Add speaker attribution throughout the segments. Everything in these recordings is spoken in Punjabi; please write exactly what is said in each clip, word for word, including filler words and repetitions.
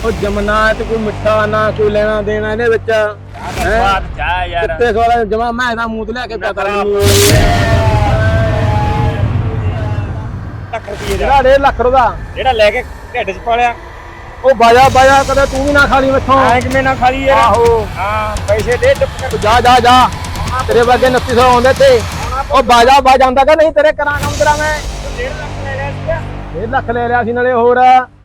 Speaker 1: ਉਹ ਜਮਨਾ ਤੇ ਕੋਈ ਮਿੱਠਾ ਨਾ ਕੋਈ ਲੈਣਾ ਦੇਣਾ ਇਹਦੇ ਵਿੱਚ
Speaker 2: ਬਾਤ ਚਾਹ ਯਾਰ
Speaker 1: ਕਿੱਥੇ ਸਵਾਲ ਜਮਾ ਮੈਂ ਇਹਦਾ ਮੂੰਹ ਤੇ ਲਿਆ ਕੇ ਪਤਾ
Speaker 2: ਲੱਖ ਰੁਪਏ
Speaker 1: ਜਿਹੜਾ ਡੇਢ ਲੱਖ ਰੁਪਦਾ
Speaker 2: ਜਿਹੜਾ ਲੈ ਕੇ ਢਿੱਡ 'ਚ ਪਾਲਿਆ
Speaker 1: ਉਹ ਬਾਜਾ ਬਾਜਾ ਕਦੇ ਤੂੰ ਵੀ ਨਾ ਖਾ ਲਈ ਮੈਥੋਂ
Speaker 2: ਐ ਕਿਵੇਂ ਨਾ ਖਾਲੀ ਯਾਰ
Speaker 1: ਆਹੋ
Speaker 2: ਹਾਂ ਪੈਸੇ ਦੇ ਚੁੱਪ ਕਰ
Speaker 1: ਜਾ ਜਾ ਜਾ ਤੇਰੇ ਵਰਗੇ ਉਨੱਤੀ ਸੌ ਆਉਂਦੇ ਤੇ ਉਹ ਬਾਜਾ ਬਾਜ ਆਉਂਦਾ ਕਿ ਨਹੀਂ ਤੇਰੇ ਕਰਾਂ ਕੰਮ ਤੇਰਾ ਮੈਂ
Speaker 2: ਡੇਢ ਲੱਖ ਲੈ ਲਿਆ ਸੀਗਾ
Speaker 1: ਡੇਢ ਲੱਖ ਲੈ ਲਿਆ ਸੀ ਨਾਲੇ ਹੋਰ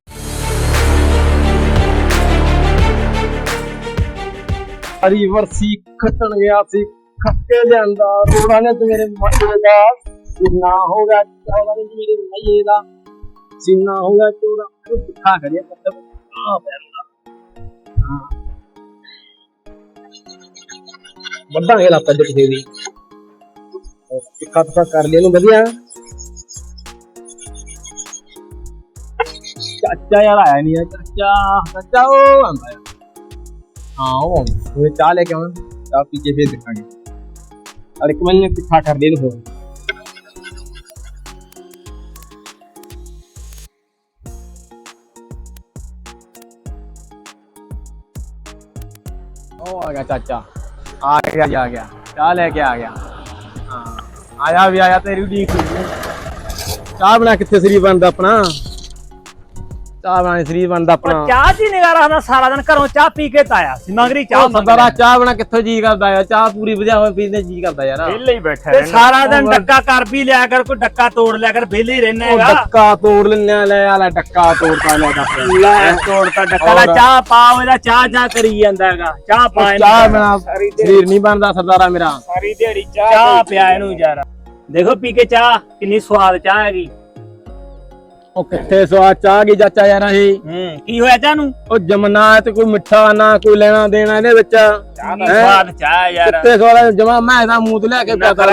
Speaker 1: ਹਰੀ ਵਰਸੀ ਖੱਟਣ ਗਿਆ ਸੀ ਖੱਕੇ ਲਿਆਂਦਾ ਰੋੜਾ ਨੇ ਤੇ ਮੇਰੇ ਮੱਥੇ ਦਾ ਸੀਨਾ ਹੋ ਗਿਆ ਚੌੜਾ ਨੇ ਮੇਰੇ ਮਈਏ ਦਾ ਸੀਨਾ ਹੋ ਗਿਆ ਚੌੜਾ ਉਹ ਦਿਖਾ ਕਰਿਆ ਮਤਲਬ ਆ ਪੈਂਦਾ ਹਾਂ ਵੱਡਾਂਗੇ ਲੱਪਾ ਦੇ ਕਿਸੇ ਦੀ ਟਿੱਕਾ ਟਿੱਕਾ ਕਰ ਲਿਆ ਨੂੰ ਵਧੀਆ ਚਾਚਾ ਯਾਰ ਆਇਆ ਨਹੀਂ ਚਾਚਾ ਚਾਚਾ ਉਹ ਆਂਦਾ ਯਾਰ हाँ वो मुझे चाय लेके आऊँ चाय पी के फिर दिखाएंगे और एक मैंने तिखा कर दे दो ओ आ गया चाचा आ गया आ गया चाय लेके आ गया हाँ आया भी आया तेरी उड़ीक चाय बना कितने शरीर बनता अपना ਚਾਹ ਬਣਾ ਸਰੀਰ ਬਣਦਾ ਆਪਣਾ
Speaker 2: ਚਾਹ ਜੀ ਨਿਗਾ ਰੱਖਦਾ ਸਾਰਾ ਦਿਨ ਘਰੋਂ ਚਾਹ ਪੀ ਕੇ ਤਾਇਆ ਸੀ ਮੰਗਰੀ ਚਾਹ
Speaker 1: ਸਰਦਾਰਾ ਚਾਹ ਬਣਾ ਕਿੱਥੋਂ ਜੀ ਕਰਦਾ ਯਾਰ ਚਾਹ ਪੂਰੀ ਵਧੀਆ ਹੋਵੇ ਪੀਂਦੇ ਜੀ ਕਰਦਾ ਯਾਰ
Speaker 2: ਵਿਹਲੇ ਹੀ ਬੈਠਾ ਤੇ ਸਾਰਾ ਦਿਨ ਡੱਕਾ ਕਰ ਵੀ ਲਿਆ ਕਰ ਕੋਈ ਡੱਕਾ ਤੋੜ ਲਿਆ ਕਰ ਵਿਹਲੇ ਹੀ ਰਹਿਣਾ ਹੈਗਾ
Speaker 1: ਡੱਕਾ ਤੋੜ ਲੈਣਾ ਲੈ ਆਲਾ ਡੱਕਾ ਤੋੜਤਾ ਲੈ ਡੱਕਾ
Speaker 2: ਲੈ ਤੋੜਤਾ ਡੱਕਾ ਦਾ ਚਾਹ ਪਾਓ ਇਹਦਾ ਚਾਹ ਚਾਹ ਕਰੀ ਜਾਂਦਾ ਹੈਗਾ ਚਾਹ ਪਾ
Speaker 1: ਚਾਹ ਬਣਾ ਸਰੀਰ ਨਹੀਂ ਬਣਦਾ ਸਰਦਾਰਾ ਮੇਰਾ
Speaker 2: ਸਾਰੀ ਦਿਹਾੜੀ ਚਾਹ ਚਾਹ ਪਿਆ ਇਹਨੂੰ ਯਾਰ ਦੇਖੋ ਪੀ ਕੇ ਚਾਹ ਕਿੰਨੀ ਸਵਾਦ ਚਾਹ ਹੈਗੀ
Speaker 1: ਉਹ ਕਿੱਥੇ ਸਵਾਦ ਚਾਹ ਗਈ ਚਾਚਾ ਯਾਰ ਇਹ
Speaker 2: ਹੂੰ ਕੀ ਹੋਇਆ ਚਾਹ ਨੂੰ
Speaker 1: ਉਹ ਜਮਨਾ ਤੇ ਕੋਈ ਮਿੱਠਾ ਨਾ ਕੋਈ ਲੈਣਾ ਦੇਣਾ ਇਹਦੇ ਵਿੱਚ
Speaker 2: ਚਾਹ ਦਾ ਸਵਾਦ ਚਾਹ ਯਾਰ
Speaker 1: ਕਿੱਥੇ ਸਵਾਦ ਜਮਾ ਮੈਂ ਇਹਦਾ ਮੂੰਹ ਤੇ ਲਿਆ ਕੇ ਪਤਾ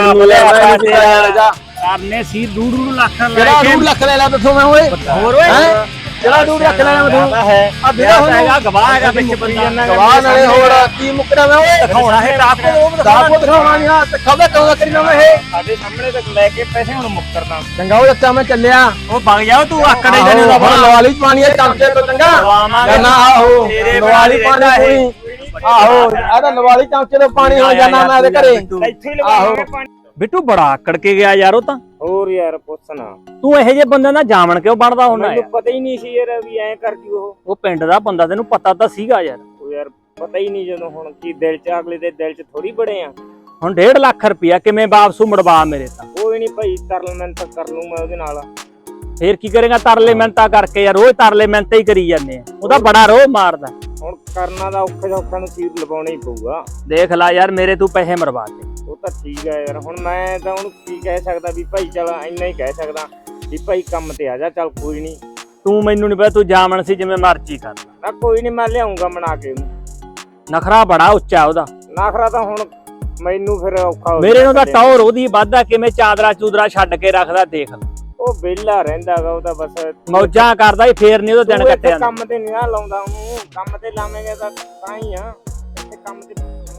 Speaker 2: ਕਰਨੇ ਸੀ ਡੂਢ ਡੂਢ ਲੱਖ ਲੈ
Speaker 1: ਕਿਹੜਾ ਡੂਢ ਲੱਖ ਲੈ ਲਿਆ ਦੱਸੋ ਮੈਂ ਓਏ
Speaker 2: ਹੋਰ ਓਏ
Speaker 1: ਕਿਹੜਾ ਡੂਢ ਲੱਖ ਲੈ ਲਿਆ ਮੈਂ
Speaker 2: ਹੈ ਆ ਬਿਨਾ ਹੈਗਾ ਗਵਾਹ ਹੈਗਾ ਵਿੱਚ ਬੰਦਾ
Speaker 1: ਗਵਾਹ ਨਾਲੇ ਹੋਰ ਕੀ ਮੁੱਕਦਾ ਮੈਂ ਓਏ
Speaker 2: ਦਿਖਾਉਣਾ ਹੈ ਟਾਪੋ ਉਹ
Speaker 1: ਟਾਪੋ ਦਿਖਾਉਣਾ ਨਹੀਂ ਆ ਤੇ ਖਬਰ ਕਦੋਂ ਕਰੀ ਨਾ ਮੈਂ ਇਹ
Speaker 2: ਸਾਡੇ ਸਾਹਮਣੇ ਤੱਕ ਲੈ ਕੇ ਪੈਸੇ ਹੁਣ ਮੁੱਕਰਦਾ
Speaker 1: ਚੰਗਾ ਉਹ ਅੱਛਾ ਮੈਂ ਚੱਲਿਆ
Speaker 2: ਉਹ ਵਗ ਜਾ ਤੂੰ ਆਕੜੇ ਜਣੇ ਦਾ
Speaker 1: ਹੁਣ ਲਵਾਲੀ ਪਾਣੀ ਹੈ ਚਮਚੇ ਤੋਂ ਚੰਗਾ ਜਾਨਾ ਆਹੋ ਲਵਾਲੀ ਪਾਣੀ ਕੋਈ ਆਹੋ ਆ ਤਾਂ ਲਵਾਲੀ ਚਮਚੇ ਤੋਂ ਪਾਣੀ ਹੋ ਜਾਣਾ ਮੈਂ ਇਹਦੇ ਘਰੇ
Speaker 2: ਇੱਥੇ ਹੀ ਲਵਾਵਾਂਗੇ ਪਾਣੀ ਬਿੱਟੂ ਬੜਾ ਆਕੜ ਕੇ ਗਿਆ ਯਾਰ ਉਹ ਤਾਂ
Speaker 3: ਹੋਰ ਯਾਰ ਪੁੱਛਣਾ
Speaker 2: ਤੂੰ ਇਹੋ ਜਿਹੇ ਬੰਦੇ ਨਾਲ ਜਾਮਣ ਕਿਉਂ ਬਣਦਾ ਹੁੰਦਾ
Speaker 3: ਮੈਨੂੰ ਪਤਾ ਹੀ ਨਹੀਂ ਸੀ ਯਾਰ ਵੀ ਐਂ ਕਰ ਜੂ ਉਹ
Speaker 2: ਉਹ ਪਿੰਡ ਦਾ ਬੰਦਾ ਤੈਨੂੰ ਪਤਾ ਤਾਂ ਸੀਗਾ ਯਾਰ
Speaker 3: ਉਹ ਯਾਰ ਪਤਾ ਹੀ ਨਹੀਂ ਜਦੋਂ ਹੁਣ ਕੀ ਦਿਲ ਚ ਅਗਲੇ ਦੇ ਦਿਲ ਚ ਥੋੜੀ ਬੜੇ ਆ
Speaker 2: ਹੁਣ ਡੇਢ ਲੱਖ ਰੁਪਇਆ ਕਿਵੇਂ ਵਾਪਸੂ ਮੁੜਵਾ ਮੇਰੇ ਤਾਂ
Speaker 3: ਕੋਈ ਨਹੀਂ ਭਾਈ ਤਰਲ ਮਿਹਨਤ ਕਰ ਲੂ ਮੈਂ ਉਹਦੇ ਨਾਲ
Speaker 2: ਫੇਰ ਕੀ ਕਰੇਗਾ ਤਰਲੇ ਮਿਹਨਤਾਂ ਕਰਕੇ ਯਾਰ ਰੋਜ਼ ਤਰਲੇ ਮਿਹਨਤਾਂ ਹੀ ਕਰੀ ਜਾਂਦੇ ਆ ਉਹਦਾ ਬੜਾ ਰੋਹ ਮਾਰਦਾ
Speaker 3: ਹੁਣ ਕਰਨਾ ਦਾ ਔਖੇ ਸੌਖਾ ਨੂੰ ਚੀਰ ਲਵਾਉਣਾ ਹੀ ਪਊਗਾ
Speaker 2: ਦੇਖ ਲੈ ਯਾਰ ਮੇਰੇ ਤੂੰ ਪੈਸੇ ਮਰਵਾ ਦੇ
Speaker 3: ਉਹ ਤਾਂ ਠੀਕ ਆ ਯਾਰ ਹੁਣ ਮੈਂ ਤਾਂ ਉਹਨੂੰ ਕੀ ਕਹਿ ਸਕਦਾ ਵੀ ਭਾਈ ਚਲ ਇੰਨਾ ਹੀ ਕਹਿ ਸਕਦਾ ਵੀ ਭਾਈ ਕੰਮ ਤੇ ਆ ਜਾ ਚੱਲ ਕੋਈ ਨਹੀਂ
Speaker 2: ਤੂੰ ਮੈਨੂੰ ਨਹੀਂ ਪਤਾ ਤੂੰ ਜਾਮਣ ਸੀ ਜਿਵੇਂ ਮਰਜ਼ੀ ਕਰ
Speaker 3: ਨਾ ਕੋਈ ਨਹੀਂ ਮੈਂ ਲਿਆਉਂਗਾ ਬਣਾ ਕੇ ਉਹਨੂੰ
Speaker 2: ਨਖਰਾ ਬੜਾ ਉੱਚਾ ਉਹਦਾ
Speaker 3: ਨਖਰਾ ਤਾਂ ਹੁਣ ਮੈਨੂੰ ਫਿਰ ਔਖਾ ਹੋ
Speaker 2: ਮੇਰੇ ਨੂੰ ਤਾਂ ਟੌਰ ਉਹਦੀ ਵਾਧਾ ਕਿਵੇਂ ਚਾਦਰਾ ਚੂਦਰਾ ਛੱਡ ਕੇ ਰੱਖਦਾ ਦੇਖ
Speaker 3: ਉਹ ਵਿਹਲਾ ਰਹਿੰਦਾਗਾ ਉਹਦਾ ਬਸ
Speaker 2: ਮੌਜਾਂ ਕਰਦਾ ਹੀ ਫੇਰ ਨਹੀਂ ਉਹਦਾ ਦਿਨ ਕੱਟਿਆ
Speaker 3: ਕੰਮ ਤੇ ਨਹੀਂ ਨਾ ਲਾਉਂਦਾ ਉਹਨੂੰ ਕੰਮ ਤੇ ਲਾਵੇਂਗਾ ਤਾਂ ਤਾਂ ਹੀ ਆ ਇੱਥੇ ਕੰਮ ਤੇ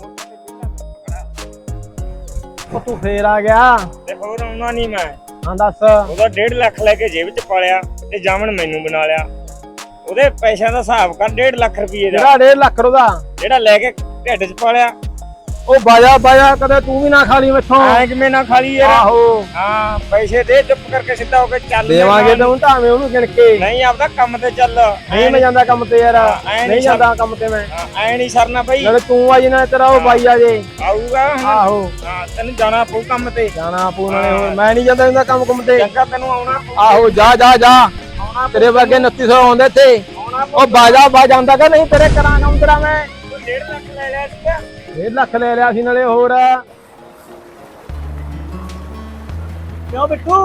Speaker 1: ਉਹ ਤੂੰ ਫੇਰ ਆ ਗਿਆ
Speaker 3: ਤੇ ਹੋਰ ਆਉਣਾ ਨਹੀਂ ਮੈਂ
Speaker 1: ਹਾਂ ਦੱਸ
Speaker 3: ਉਹਦਾ ਡੇਢ ਲੱਖ ਲੈ ਕੇ ਜੇਬ ਚ ਪਾਲਿਆ ਤੇ ਜਾਮਣ ਮੈਨੂੰ ਬਣਾ ਲਿਆ ਉਹਦੇ ਪੈਸਿਆਂ ਦਾ ਹਿਸਾਬ ਕਰ ਡੇਢ ਲੱਖ ਰੁਪਏ ਦਾ
Speaker 1: ਜਿਹੜਾ ਡੇਢ ਲੱਖ ਰੁਪਦਾ
Speaker 3: ਜਿਹੜਾ ਲੈ ਕੇ ਢਿੱਡ ਚ ਪਾਲਿਆ
Speaker 1: ਉਹ ਬਾਜਾ ਬਾਜਾ ਕਦੇ ਤੂੰ ਵੀ ਨਾ ਖਾ ਲਈ ਮੈਥੋਂ
Speaker 3: ਐ ਕਿਵੇਂ ਨਾ ਖਾਲੀ ਯਾਰ
Speaker 1: ਆਹੋ
Speaker 3: ਹਾਂ ਪੈਸੇ ਦੇ ਚੁੱਪ ਕਰਕੇ ਸਿੱਧਾ ਹੋ ਕੇ ਚੱਲ
Speaker 1: ਦੇਵਾਂਗੇ ਤਾਂ ਹੁਣ ਭਾਵੇਂ ਉਹਨੂੰ ਗਿਣ ਕੇ
Speaker 3: ਨਹੀਂ ਆਪਦਾ ਕੰਮ ਤੇ ਚੱਲ
Speaker 1: ਨਹੀਂ ਮੈਂ ਜਾਂਦਾ ਕੰਮ ਤੇ ਯਾਰ ਨਹੀਂ ਜਾਂਦਾ ਕੰਮ ਤੇ ਮੈਂ
Speaker 3: ਐ ਨਹੀਂ ਸਰਨਾ ਬਈ
Speaker 1: ਨਾਲੇ ਤੂੰ ਆ ਜਿਨਾ ਤੇਰਾ ਉਹ ਬਾਈ ਆ ਜੇ
Speaker 3: ਆਊਗਾ
Speaker 1: ਆਹੋ
Speaker 3: ਹਾਂ ਤੈਨੂੰ ਜਾਣਾ ਪਊ ਕੰਮ ਤੇ
Speaker 1: ਜਾਣਾ ਪਊ ਨਾਲੇ ਹੁਣ ਮੈਂ ਨਹੀਂ ਜਾਂਦਾ ਇਹਦਾ ਕੰਮ ਕੰਮ ਤੇ
Speaker 3: ਚੰਗਾ ਤੈਨੂੰ ਆਉਣਾ
Speaker 1: ਆਹੋ ਜਾ ਜਾ ਜਾ ਤੇਰੇ ਵਰਗੇ ਉਨੱਤੀ ਸੌ ਆਉਂਦੇ ਤੇ ਉਹ ਬਾਜਾ ਬਾਜ ਆਉਂਦਾ ਕਿ ਨਹੀਂ ਤੇਰੇ ਕਰਾਂ ਕੰਮ ਤੇਰਾ ਮੈਂ
Speaker 3: ਡੇਢ ਲੱਖ ਲੈ ਲਿਆ ਸੀਗਾ
Speaker 1: ਡੇਢ ਲੱਖ ਲੈ ਲਿਆ ਸੀ ਨਾਲੇ ਹੋਰ
Speaker 2: ਕਿਉਂ ਬਿੱਟੂ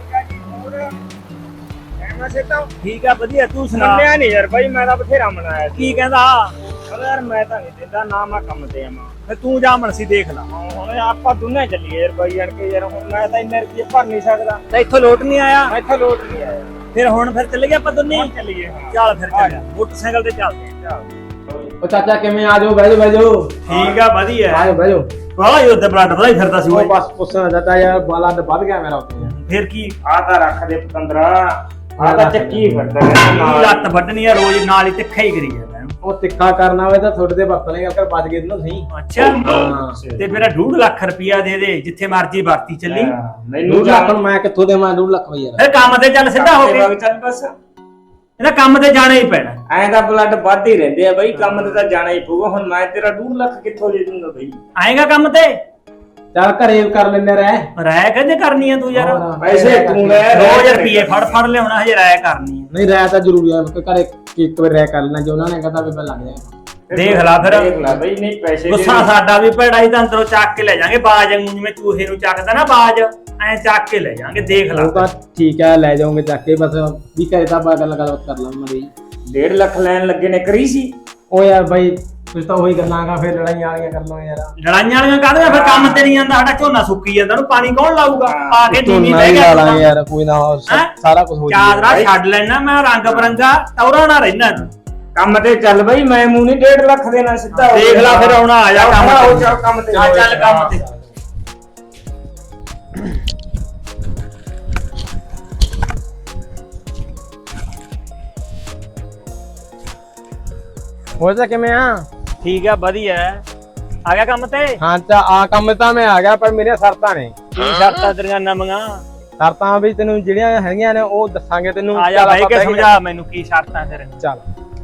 Speaker 3: ਐਵੇਂ ਸਿੱਧਾ
Speaker 2: ਠੀਕ ਆ ਵਧੀਆ ਤੂੰ ਸੁਣਾ
Speaker 3: ਮੰਨਿਆ ਨਹੀਂ ਯਾਰ ਬਾਈ ਮੈਂ ਤਾਂ ਬਥੇਰਾ ਮਨਾਇਆ ਸੀ
Speaker 2: ਕੀ ਕਹਿੰਦਾ
Speaker 3: ਯਾਰ ਮੈਂ ਤਾਂ ਨਹੀਂ ਦਿੰਦਾ ਨਾ ਮੈਂ ਕੰਮ ਤੇ ਆਵਾਂ
Speaker 2: ਫੇ ਤੂੰ ਜਾਮਣ ਸੀ ਦੇਖ ਲਾ
Speaker 3: ਹੁਣ ਆਪਾਂ ਦੋਨੇ ਚੱਲੀਏ ਯਾਰ ਬਾਈ ਅਣ ਕੇ ਯਾਰ ਹੁਣ ਮੈਂ ਤਾਂ ਇੰਨੇ ਰੁਪਏ ਭਰ ਨਹੀਂ ਸਕਦਾ
Speaker 2: ਤੇ ਇੱਥੋਂ ਲੋਟ ਨਹੀਂ ਆਇਆ
Speaker 3: ਮੈਂ ਇੱਥੇ ਲੋਟ ਨਹੀਂ ਆਇਆ
Speaker 2: ਫਿਰ ਹੁਣ ਫਿਰ ਚੱਲ ਗਿਆ ਆਪਾਂ ਦੋਨੇ
Speaker 3: ਹੁਣ ਚੱਲੀਏ ਹਾਂ
Speaker 2: ਚੱਲ ਫਿਰ ਚੱਲ ਮੋਟਰਸਾਈਕਲ ਤੇ ਚੱਲਦੇ ਆ
Speaker 1: ਉਹ ਚਾਚਾ ਕਿਵੇਂ ਆ ਜਾਓ ਬਹਿ ਜਾਓ ਬਹਿ ਜਾਓ
Speaker 2: ਠੀਕ ਆ ਵਧੀਆ
Speaker 1: ਆ ਜਾਓ ਬਹਿ ਜਾਓ
Speaker 2: ਵਾਹ ਇਹ ਉੱਤੇ ਬਲੱਡ ਵਧਾਈ ਫਿਰਦਾ ਸੀ
Speaker 1: ਉਹ
Speaker 2: ਓਏ
Speaker 1: ਬਸ ਪੁੱਛਣਾ ਚਾਚਾ ਯਾਰ ਬਲੱਡ ਵੱਧ ਗਿਆ ਮੇਰਾ ਉੱਤੇ
Speaker 2: ਫਿਰ ਕੀ
Speaker 3: ਆ ਤਾਂ ਰੱਖ ਦੇ ਪਤੰਦਰਾ ਆ ਤਾਂ ਚੱਕੀ ਫਿਰਦਾ ਰਹਿੰਦਾ
Speaker 2: ਕੀ
Speaker 3: ਨਾਲ।
Speaker 2: ਲੱਤ ਵੱਢਣੀ ਆ ਰੋਜ਼ ਨਾਲ ਹੀ ਤਿੱਖਾ ਹੀ ਕਰੀ ਜਾਂਦਾ ਇਹਨੂੰ।
Speaker 1: ਉਹ ਤਿੱਖਾ ਕਰਨਾ ਹੋਵੇ ਤਾਂ ਤੁਹਾਡੇ ਤੇ ਵਰਤ ਲੇਗਾ ਕਰ ਬਚ ਗਏ ਨਾ ਸਹੀ।
Speaker 2: ਅੱਛਾ
Speaker 1: ਹਾਂ
Speaker 2: ਤੇ ਮੇਰਾ ਡੂਢ ਲੱਖ ਰੁਪਇਆ ਦੇ ਦੇ ਜਿੱਥੇ ਮਰਜੀ ਵਰਤੀ ਚੱਲੀ।
Speaker 3: ਹਾਂ, ਮੈਨੂੰ
Speaker 1: ਡੂਢ ਲੱਖ ਨੂੰ ਮੈਂ ਕਿੱਥੋਂ ਦੇਵਾਂ ਡੂਢ ਲੱਖ ਬਈ ਯਾਰ।
Speaker 2: ਫਿਰ ਕੰਮ ਤੇ ਚੱਲ ਸਿੱਧਾ ਹੋ ਕੇ,
Speaker 3: ਚੱਲ ਬਸ
Speaker 2: ਇਹਦਾ ਕੰਮ ਤੇ ਜਾਣਾ ਹੀ ਪੈਣਾ।
Speaker 3: ਐਂ ਤਾਂ ਬਲੱਡ ਵੱਧ ਹੀ ਰਹਿੰਦੇ ਆ ਬਈ, ਕੰਮ ਤੇ ਤਾਂ ਜਾਣਾ ਹੀ ਪਊਗਾ। ਹੁਣ ਮੈਂ ਤੇਰਾ ਡੂਢ ਲੱਖ ਕਿੱਥੋਂ ਦੇ ਦੂੰਗਾ ਬਈ?
Speaker 2: ਆਏਗਾ ਕੰਮ ਤੇ
Speaker 1: ਚੱਲ ਘਰੇ ਕਰ ਲੈਂਦੇ ਰਹਿ।
Speaker 2: ਰਾਇ ਕਹਿੰਦੇ ਕਰਨੀ ਆ ਤੂੰ ਯਾਰ,
Speaker 1: ਹੋਰ।
Speaker 3: ਪੈਸੇ ਤੂੰ ਲੈ
Speaker 2: ਦੋ ਰੁਪਏ ਫੜ ਫੜ ਲਿਆਉਣਾ, ਹਜੇ ਰਾਇ ਕਰਨੀ ਆ।
Speaker 1: ਨਹੀਂ ਰਹਿ ਤਾਂ ਜ਼ਰੂਰੀ ਹੈ ਕਿ ਘਰੇ ਇੱਕ ਵਾਰ ਰਹਿ ਕਰ ਲੈਣਾ, ਜੇ ਉਹਨਾਂ ਨੇ ਕਹਤਾ ਵੀ ਮੈਂ ਲੱਗ ਜਾਏਗਾ।
Speaker 2: ਦੇਖ ਲਾ ਫਿਰ।
Speaker 3: ਦੇਖ ਲਾ ਬਈ, ਨਹੀਂ ਪੈਸੇ
Speaker 2: ਗੁੱਸਾ ਸਾਡਾ ਵੀ ਭੈੜਾ ਹੀ, ਤਾਂ ਅੰਦਰੋਂ ਚੱਕ ਕੇ ਲੈ ਜਾਾਂਗੇ ਬਾਜ ਵਾਂਗੂ, ਜਿਵੇਂ ਚੂਹੇ ਨੂੰ ਚੱਕਦਾ ਨਾ ਬਾਜ, ਐ ਚੱਕ ਕੇ ਲੈ ਜਾਾਂਗੇ। ਦੇਖ ਲਾ
Speaker 1: ਉਹ ਤਾਂ ਠੀਕ ਹੈ ਲੈ ਜਾਓਗੇ ਚੱਕ ਕੇ, ਬਸ ਵੀ ਘਰੇ ਤਾਂ ਆਪਾਂ ਗੱਲ ਗੱਲਬਾਤ ਕਰ ਲਾਂਗੇ ਮਰੀ।
Speaker 3: ਡੇਢ ਲੱਖ ਲੈਣ ਲੱਗੇ ਨੇ ਕਰੀ ਸੀ।
Speaker 1: ਉਹ ਯਾਰ ਬਾਈ ਕੁਝ ਤਾਂ ਉਹੀ ਗੱਲਾਂ ਗਾ, ਫਿਰ ਲੜਾਈਆਂ ਵਾਲੀਆਂ ਕਰ ਲਓ ਯਾਰ।
Speaker 2: ਲੜਾਈਆਂ ਵਾਲੀਆਂ ਕਾਹਦੀਆਂ? ਫਿਰ ਕੰਮ ਤੇ ਨਹੀਂ ਜਾਂਦਾ, ਸਾਡਾ ਝੋਨਾ ਸੁੱਕੀ ਜਾਂਦਾ, ਉਹਨੂੰ ਪਾਣੀ ਕੌਣ ਲਾਊਗਾ? ਆ ਕੇ ਨੀਵੀਂ
Speaker 1: ਝੋਨਾ
Speaker 2: ਬਹਿ
Speaker 1: ਹੀ
Speaker 2: ਗਿਆ
Speaker 1: ਲਾ ਲਾਂਗੇ ਯਾਰ, ਕੋਈ ਨਾ ਹੋਰ
Speaker 2: ਹੈਂ?
Speaker 1: ਸਾਰਾ ਕੁਝ ਹੋ
Speaker 2: ਚਾਦਰਾ ਛੱਡ ਲੈਣਾ, ਮੈਂ ਰੰਗ ਬਰੰਗਾ ਟੌਰਾ ਨਾ ਰਹਿਣਾ ਤੂੰ।
Speaker 3: ਕੰਮ ਤੇ ਚੱਲ ਬਈ, ਮੈਂ ਮੂੰਹ ਨਹੀਂ ਡੇਢ ਲੱਖ ਦੇਣਾ ਸਿੱਧਾ ਹੋ
Speaker 2: ਦੇਖ ਲਾ ਫਿਰ ਆਉਣਾ, ਆ ਜਾ ਕੰਮ
Speaker 3: ਹੋ
Speaker 2: ਤੇ।
Speaker 3: ਜਾ ਕੰਮ ਤੇ।
Speaker 2: ਆ ਚੱਲ ਕੰਮ ਤੇ।
Speaker 1: ਹੋ ਜਾ ਕਿਵੇਂ ਆ?
Speaker 2: ਠੀਕ ਆ, ਵਧੀਆ ਆ ਗਿਆ ਕੰਮ ਤੇ।
Speaker 1: ਹਾਂ ਤਾਂ ਆ ਕੰਮ ਤਾਂ ਮੈਂ ਆ ਗਿਆ, ਪਰ ਮੇਰੀਆਂ ਸ਼ਰਤਾਂ ਨੇ।
Speaker 2: ਕੀ ਸ਼ਰਤਾਂ ਤੇਰੀਆਂ ਨਵੀਆਂ?
Speaker 1: ਸ਼ਰਤਾਂ ਵੀ ਤੈਨੂੰ ਜਿਹੜੀਆਂ ਹੈਗੀਆਂ ਨੇ ਉਹ ਦੱਸਾਂਗੇ ਤੈਨੂੰ।
Speaker 2: ਆ ਜਾ
Speaker 1: ਚੱਲ
Speaker 2: ਬਾਈ
Speaker 1: ਆਪਾਂ
Speaker 2: ਕੇ
Speaker 1: ਬਹਿ ਕੇ-
Speaker 2: ਸਮਝਾ ਮੈਨੂੰ ਕੀ ਸ਼ਰਤਾਂ ਤੇਰੀਆਂ।
Speaker 1: ਚੱਲ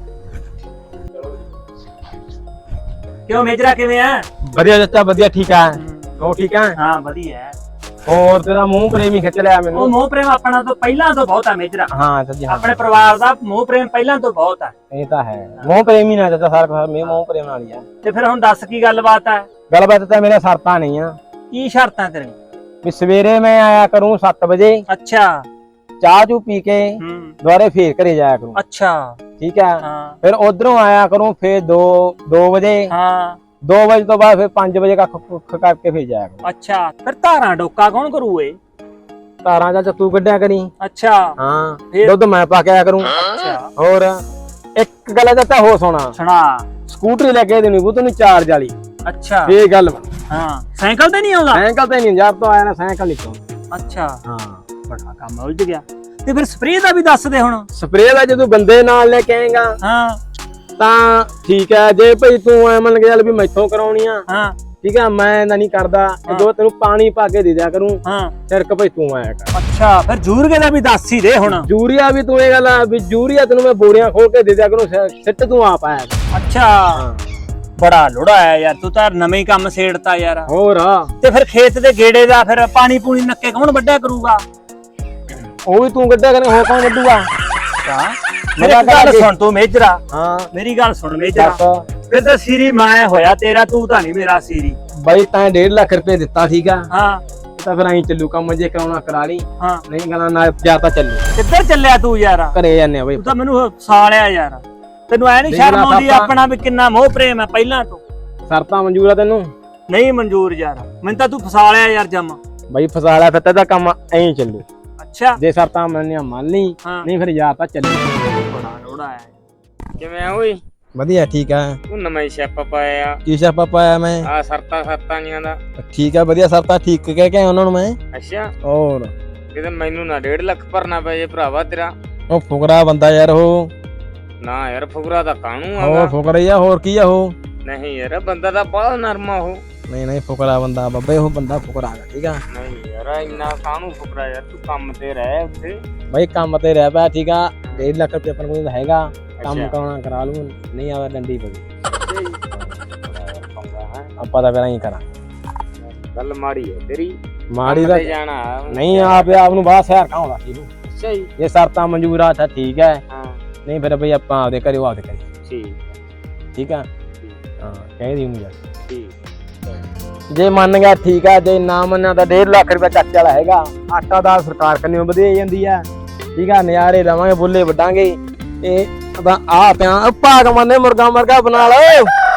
Speaker 2: ਕਿਉਂ ਮੇਜਰਾ ਕਿਵੇਂ ਆ?
Speaker 1: ਵਧੀਆ ਚਾਚਾ ਵਧੀਆ, ਠੀਕ ਆ। ਉਹ ਠੀਕ ਆ?
Speaker 2: ਹਾਂ ਵਧੀਆ।
Speaker 1: ਹੋਰ ਤੇਰਾ ਮੂੰਹ ਪ੍ਰੇਮੀ ਖਿੱਚ ਲਿਆ
Speaker 2: ਉਹ
Speaker 1: ਮੈਨੂੰ।
Speaker 2: ਮੋਹ ਪ੍ਰੇਮ ਆਪਣਾ ਤੋਂ ਪਹਿਲਾਂ ਤੋਂ ਬਹੁਤ ਆ ਮੇਜਰਾ।
Speaker 1: ਹਾਂ ਚਾਚੀ ਹਾਂ,
Speaker 2: ਆਪਣੇ ਪਰਿਵਾਰ ਦਾ ਮੋਹ ਪ੍ਰੇਮ ਪਹਿਲਾਂ ਤੋਂ ਬਹੁਤ ਆ।
Speaker 1: ਇਹ ਤਾਂ ਹੈ। ਮੂੰਹ ਪ੍ਰੇਮੀ ਨਾ ਚਾਚਾ, ਸਾਰਾ ਕੁਝ ਮੈਂ ਮੂੰਹ ਪ੍ਰੇਮ ਨਾਲ ਹੀ ਆ।
Speaker 2: ਤੇ ਫਿਰ ਹੁਣ ਦੱਸ ਕੀ ਗੱਲਬਾਤ ਆ?
Speaker 1: ਗੱਲਬਾਤ ਤਾਂ ਮੇਰੀਆਂ ਸ਼ਰਤਾਂ ਨਹੀਂ ਆ।
Speaker 2: ਕੀ ਸ਼ਰਤਾਂ ਤੇਰੀਆਂ?
Speaker 1: ਵੀ ਸਵੇਰੇ ਮੈਂ ਆਇਆ ਕਰੂੰ ਸੱਤ ਵਜੇ,
Speaker 2: ਅੱਛਾ।
Speaker 1: ਚਾਹ ਚੂ ਪੀ ਕੇ
Speaker 2: ਹੂੰ।
Speaker 1: ਦੁਬਾਰੇ ਫੇਰ ਘਰੇ ਜਾਇਆ ਕਰੂੰ।
Speaker 2: ਅੱਛਾ।
Speaker 1: ਠੀਕ ਆ।
Speaker 2: ਹਾਂ
Speaker 1: ਫਿਰ ਉਧਰੋਂ ਆਇਆ ਕਰੂੰ ਫੇਰ ਦੋ ਦੋ ਵਜੇ,
Speaker 2: ਹਾਂ।
Speaker 1: ਦੋ ਵਜੇ ਤੋਂ ਬਾਅਦ ਫਿਰ ਪੰਜ ਵਜੇ ਕੱਖ ਕੁੱਖ ਕਰਕੇ ਫੇਰ ਜਾਇਆ ਕਰੂੰ।
Speaker 2: ਅੱਛਾ, ਫਿਰ ਧਾਰਾਂ ਡੋਕਾ ਕੌਣ ਕਰੂ ਏ?
Speaker 1: ਤਾਰਾਂ ਚਾਚਾ ਤੂੰ ਕੱਢਿਆ ਕਰੀ।
Speaker 2: ਅੱਛਾ।
Speaker 1: ਹਾਂ
Speaker 2: ਫਿਰ?
Speaker 1: ਦੁੱਧ ਮੈਂ ਪਾ ਕੇ ਆਇਆ ਕਰੂੰ।
Speaker 2: ਅੱਛਾ,
Speaker 1: ਹੋਰ ਇੱਕ ਗੱਲ ਚਾਚਾ ਹੋ ਸੁਣਾ,
Speaker 2: ਸੁਣਾ।
Speaker 1: ਸਕੂਟਰੀ ਲੈ ਕੇ ਦੇਣੀ ਬੂ ਤੈਨੂੰ ਚਾਰਜ ਵਾਲੀ।
Speaker 2: ਅੱਛਾ।
Speaker 1: ਇਹ ਗੱਲ ਬਣ।
Speaker 2: ਹਾਂ, ਸਾਈਕਲ ਤੇ ਨਹੀਂ ਆਉਂਦਾ?
Speaker 1: ਸਾਈਕਲ ਤੇ ਨਹੀਂ, ਜਦ ਤੋਂ ਆਇਆ ਨਾ ਸਾਈਕਲ ਨਹੀਂ ਤੋਂ।
Speaker 2: ਅੱਛਾ,
Speaker 1: ਹਾਂ
Speaker 2: ਬੜਾ ਕੰਮ ਉਲਝ ਗਿਆ। ਤੇ ਫਿਰ ਸਪਰੇਅ ਦਾ ਵੀ ਦੱਸ ਦੇ ਹੁਣ।
Speaker 1: ਸਪਰੇਅ ਦਾ ਜਦੋਂ ਬੰਦੇ ਨਾਲ ਲੈ ਕੇ ਆਏਗਾ
Speaker 2: ਹਾਂ
Speaker 1: ਤਾਂ ਠੀਕ ਹੈ। ਜੇ ਭਈ ਤੂੰ ਐ ਮੰਨ ਕੇ ਚੱਲ ਵੀ ਮੈਥੋਂ ਕਰਾਉਣੀ ਆ,
Speaker 2: ਹਾਂ
Speaker 1: ਠੀਕ ਆ, ਮੈਂ ਤਾਂ ਨਹੀਂ ਕਰਦਾ। ਜੋ ਤੈਨੂੰ ਪਾਣੀ ਪਾ ਕੇ ਦੇ ਦਿਆ ਕਰੂੰ,
Speaker 2: ਹਾਂ।
Speaker 1: ਸਿਰਕ ਭਈ ਤੂੰ ਆਇਆ ਕਰ।
Speaker 2: ਅੱਛਾ, ਫਿਰ ਜੂਰਗੇ ਦਾ ਵੀ ਦੱਸ ਹੀ ਦੇ ਹੁਣ।
Speaker 1: ਯੂਰੀਆ ਵੀ ਤੂੰ ਇਹ ਗੱਲ ਆ ਵੀ ਯੂਰੀਆ ਤੈਨੂੰ ਮੈਂ ਬੋਰੀਆਂ ਖੋਲ ਕੇ ਦੇ ਦਿਆ ਕਰੂੰ, ਸਿ- ਸਿੱਟ ਤੂੰ ਆਪ ਆਇਆ ਕਰ।
Speaker 2: ਅੱਛਾ, ਬੜਾ ਲੋੜਾ ਆਇਆ ਯਾਰ, ਤੂੰ ਤਾਂ ਨਵੇਂ ਹੀ ਕੰਮ ਛੇੜਤਾ ਯਾਰ।
Speaker 1: ਹੋਰ
Speaker 2: ਤੇ ਫਿਰ ਖੇਤ ਦੇ ਗੇੜੇ ਦਾ ਫਿਰ ਪਾਣੀ ਪੂਣੀ ਨੱਕੇ ਕੌਣ ਵੱਢਿਆ ਕਰੂਗਾ?
Speaker 1: ਉਹ ਵੀ ਤੂੰ ਕੱਢਿਆ ਕਰ, ਹੋਰ ਕੌਣ ਕੱਢੂਗਾ?
Speaker 2: ਮੇਰੀ ਗੱਲ ਸੁਣ ਤੂੰ ਮੇਜਰਾ,
Speaker 1: ਹਾਂ
Speaker 2: ਮੇਰੀ ਗੱਲ ਸੁਣ ਮੇਜਰਾ।
Speaker 1: ਦੱਸ
Speaker 2: ਫਿਰ ਤਾਂ ਸੀਰੀ ਮੈਂ ਹੋਇਆ ਤੇਰਾ, ਤੂੰ ਤਾਂ ਨਹੀਂ ਮੇਰਾ ਸੀਰੀ।
Speaker 1: ਬਾਈ ਤਾਂ ਡੇਢ ਲੱਖ ਰੁਪਏ ਦਿੱਤਾ, ਠੀਕ ਆ,
Speaker 2: ਹਾਂ
Speaker 1: ਤਾਂ ਫਿਰ ਐਂ ਚੱਲੂ ਕੰਮ, ਜੇ ਕਰਾਉਣਾ ਕਰਾ ਲਈ,
Speaker 2: ਹਾਂ।
Speaker 1: ਨਹੀਂ ਕਰਾਉਣਾ ਨਾ ਜਾ ਤਾਂ ਚੱਲੂ।
Speaker 2: ਕਿੱਧਰ ਚੱਲਿਆ ਤੂੰ ਯਾਰ?
Speaker 1: ਘਰੇ ਜਾਂਦੇ ਆ ਬਾਈ।
Speaker 2: ਤੂੰ ਤਾਂ ਮੈਨੂੰ ਸਾਲਿਆ ਯਾਰ, ਤੈਨੂੰ ਐ ਨਹੀਂ
Speaker 1: ਦੇਖ
Speaker 2: ਸ਼ਰਮ
Speaker 1: ਲਾ
Speaker 2: ਆਉਂਦੀ
Speaker 1: ਪਾਪਾ।
Speaker 2: ਆਪਣਾ ਵੀ ਕਿੰਨਾ ਮੋਹ ਪ੍ਰੇਮ ਹੈ ਪਹਿਲਾਂ ਤੋਂ?
Speaker 1: ਸ਼ਰਤਾਂ ਮਨਜ਼ੂਰ ਆ ਤੈਨੂੰ?
Speaker 2: ਨਹੀਂ ਮਨਜ਼ੂਰ ਯਾਰ, ਮੈਨੂੰ ਤਾਂ ਤੂੰ ਫਸਾ ਲਿਆ ਯਾਰ ਜਮ।
Speaker 1: ਬਾਈ ਫਸਾ ਲਿਆ, ਫਿਰ ਤਾਂ ਕੰਮ ਐਂ ਚੱਲੂ।
Speaker 2: ਅੱਛਾ।
Speaker 1: ਜੇ ਸ਼ਰਤਾਂ ਮੰਨੀਆਂ ਮੰਨ ਲਈ,
Speaker 2: ਹਾਂ।
Speaker 1: ਨਹੀਂ ਫਿਰ ਯਾਰ ਤਾਂ ਚੱਲੂ।
Speaker 2: ਬੜਾ ਲੋੜਾ ਹੈ।
Speaker 3: ਕਿਵੇਂ ਆ ਓਏ?
Speaker 1: ਵਧੀਆ ਠੀਕ ਆ।
Speaker 3: ਤੂੰ ਨਵਾਂ ਹੀ ਛਾਪਾ ਪਾਇਆ
Speaker 1: ਕੀ ਛਾਪਾ ਪਾਇਆ ਮੈਂ?
Speaker 3: ਆ ਸਰਤਾ ਸਰਤਾਂ ਜੀਆਂ ਦਾ।
Speaker 1: ਠੀਕ ਆ ਵਧੀਆ, ਸ਼ਰਤਾਂ ਠੀਕ ਕਹਿ ਕੇ ਉਹਨਾਂ ਨੂੰ ਮੈਂ।
Speaker 3: ਅੱਛਾ,
Speaker 1: ਹੋਰ
Speaker 3: ਕਿਤੇ ਮੈਨੂੰ ਨਾ ਡੇਢ ਲੱਖ ਭਰਨਾ ਪਏ ਜੇ ਭਰਾਵਾ ਤੇਰਾ।
Speaker 1: ਉਹ ਫੁਕਰਾ ਬੰਦਾ ਯਾਰ, ਉਹ
Speaker 3: ਨਾ ਯਾਰ, ਫੁਕਰਾ ਤਾਂ ਕਾਹਨੂੰ
Speaker 1: ਹੋਰ
Speaker 3: ਆਗਾ।
Speaker 1: ਫੁਕਰਾ ਹੀ ਆ, ਹੋਰ ਕੀ ਆ ਉਹ?
Speaker 3: ਨਹੀਂ ਯਾਰ, ਬੰਦਾ ਤਾਂ ਬਹੁਤ ਨਰਮਾ ਉਹ।
Speaker 1: ਨਹੀਂ ਨਹੀਂ ਫੁਕਰਾ ਬੰਦਾ ਬਾਬੇ, ਉਹ ਬੰਦਾ ਫੁਕਰਾ ਹੈਗਾ, ਠੀਕ ਆ।
Speaker 3: ਨਹੀਂ ਯਾਰ, ਇੰਨਾ ਕਾਹਨੂੰ ਫੁਕਰਾ ਯਾਰ, ਤੂੰ ਕੰਮ ਤੇ ਰਹਿ ਉੱਥੇ।
Speaker 1: ਬਾਈ ਕੰਮ ਤੇ ਰਹਿ ਪਿਆ, ਠੀਕ ਆ। ਡੇਢ ਲੱਖ ਰੁਪਏ ਆਪਣੇ ਕੋਲ ਹੈਗਾ, ਕੰਮ
Speaker 3: ਅੱਛਾ।
Speaker 1: ਕਰਾਉਣਾ ਕਰਾ ਲੂ, ਨਹੀਂ ਆਵੇ ਡੰਡੀ ਪਈ। ਆਪਾਂ ਤਾਂ ਫਿਰ ਐਂ ਕਰਾਂ।
Speaker 3: ਗੱਲ ਮਾੜੀ ਹੈ ਤੇਰੀ।
Speaker 1: ਮਾੜੀ
Speaker 3: ਕੰਮ
Speaker 1: ਦਾ
Speaker 3: ਤੇ ਜਾਣਾ
Speaker 1: ਨਹੀਂ, ਆਪ ਆਪ ਨੂੰ ਬਾਹਰ ਸ਼ਹਿਰ ਕਾਉਂਦਾ ਇਹਨੂੰ।
Speaker 3: ਅੱਛਾ ਜੀ।
Speaker 1: ਜੇ ਸ਼ਰਤਾਂ ਮਨਜ਼ੂਰ ਆ ਤਾਂ ਠੀਕ ਹੈ,
Speaker 3: ਹਾਂ
Speaker 1: ਨਹੀਂ ਫਿਰ ਬਈ ਆਪਾਂ ਆਪਦੇ ਘਰੇ ਆਪਦੇ ਘਰੇ,
Speaker 3: ਠੀਕ
Speaker 1: ਠੀਕ ਆ।
Speaker 3: ਠੀਕ
Speaker 1: ਹਾਂ ਕਹਿੰਦੀ ਹੁੰਦੀ ਆ।
Speaker 3: ਠੀਕ।
Speaker 1: ਜੇ ਮੰਨ ਗਿਆ ਠੀਕ ਆ, ਜੇ ਨਾ ਮੰਨਿਆ ਤਾਂ ਡੇਢ ਲੱਖ ਰੁਪਏ ਚੱਕ ਵਾਲਾ ਹੈਗਾ। ਆਟਾ ਦਾ ਸਰਕਾਰ ਕੰਨਿਓ ਵਧੇ ਜਾਂਦੀ ਆ, ਠੀਕ ਆ। ਨਜ਼ਾਰੇ ਲਵਾਂਗੇ, ਬੁੱਲੇ ਵੱਢਾਂਗੇ। ਇਹ ਤਾਂ ਆ ਪਿਆ ਭਾਗ ਮੰਨੇ, ਮੁਰਗਾ ਮਰਗਾ ਬਣਾ ਲਓ।